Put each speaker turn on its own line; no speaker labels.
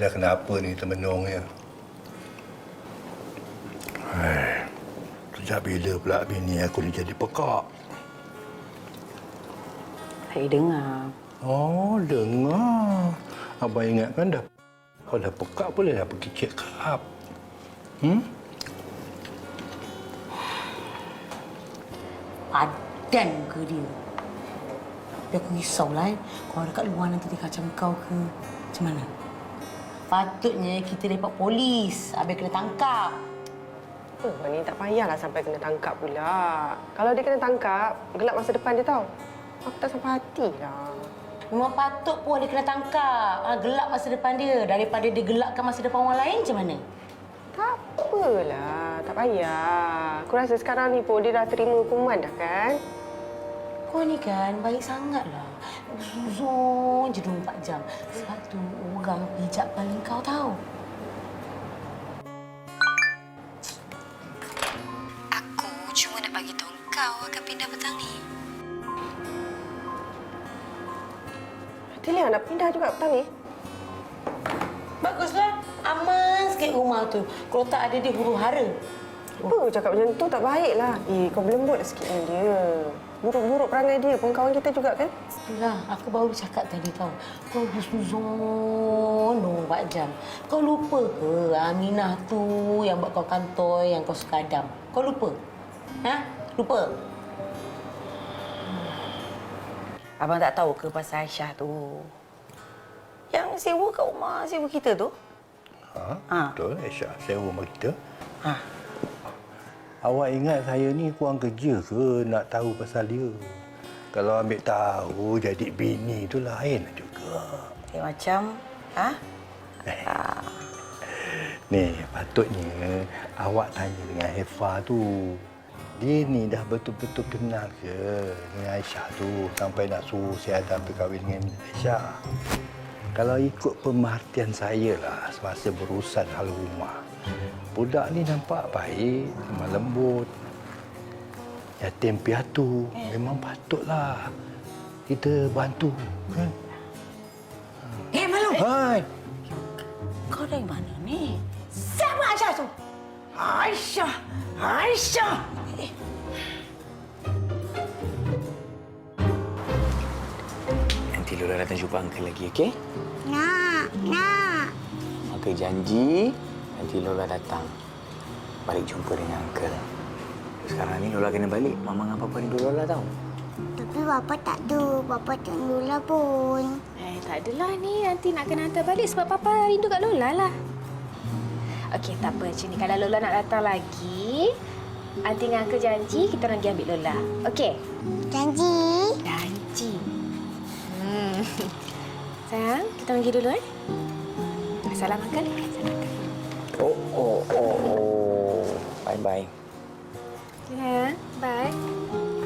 dah kenapa ni termenungnya. Sejak bila pula bini aku ni jadi pekak?
Saya dengar.
Oh, dengar. Abang ingatkan dah. Kau dah pekak boleh dah pergi check up.
Padan muka dia. Tapi aku risaulah kalau dekat luar nanti dia kacau kau ke macam mana. Patutnya kita lepak polis habis kena tangkap.
Ni tak payahlah sampai kena tangkap pula. Kalau dia kena tangkap, gelap masa depan dia tahu. Aku tak sampai hatilah.
Memang patut pun dia kena tangkap. Gelap masa depan dia. Daripada dia gelapkan masa depan orang lain macam mana?
Tak apalah, tak payah. Aku rasa sekarang ni pun dia dah terima hukuman dah kan?
Kau ni kan baik sangatlah. Suzon je 24 jam. Sebab tu orang hijab paling kau tahu.
Aku cuma nak bagi tahu kau akan pindah petang ni.
Tilia nak pindah juga petang ni?
Baguslah. Aman sikit rumah tu. Kalau tak ada dia huru-hara.
Apa cakap macam tu tak baiklah. Kau berlembut sikit dengan dia. Buruk-buruk perangai dia pun kawan kita juga kan?
Itulah, aku baru cakap tadi tahu. Kau husnuzon 24 jam. Kau lupa ke Aminah tu yang buat kau kantoi, yang kau suka Adam? Kau lupa? Ha? Lupa? Abang tak tahu ke pasal Aisyah tu? Yang sewa kat rumah sewa kita tu?
Betul, Aisyah sewa rumah kita.
Ha.
Awak ingat saya ni kurang kerja ke nak tahu pasal dia? Kalau ambil tahu jadi bini tu lain juga.
Macam, ha?
Ni, patutnya awak tanya dengan Hefa tu. Dia ni dah betul-betul kenal ke dengan Aisyah tu sampai nak suruh si Adam berkahwin dengan Aisyah. Kalau ikut pemerhatian saya lah semasa berurusan hal rumah, budak ni nampak baik, lemah lembut, yatim piatu. Memang patutlah kita bantu. Kan?
Malu!
Hai!
Kau dari mana ni? Siapa Aisyah tu? Aisyah! Aisyah!
Nanti Lola datang jumpa Uncle lagi, okey?
Nak.
Uncle janji nanti Lola datang balik jumpa dengan Uncle. Sekarang ni Lola kena balik. Mama dengan Papa rindu Lola tahu.
Tapi Bapa tak ada. Bapa tak Lola pun.
Tak adalah ni. Nanti nak kena hantar balik sebab Papa rindu kat Lola lah. Okey, tak apa macam ni. Kalau Lola nak datang lagi, Aunty dengan Uncle janji kita orang pergi ambil Lola. Okey?
Janji.
Janji. Sayang, kita pergi dulu Salam Uncle. Salam Uncle.
Oh. Bye-bye.
Ya, bye.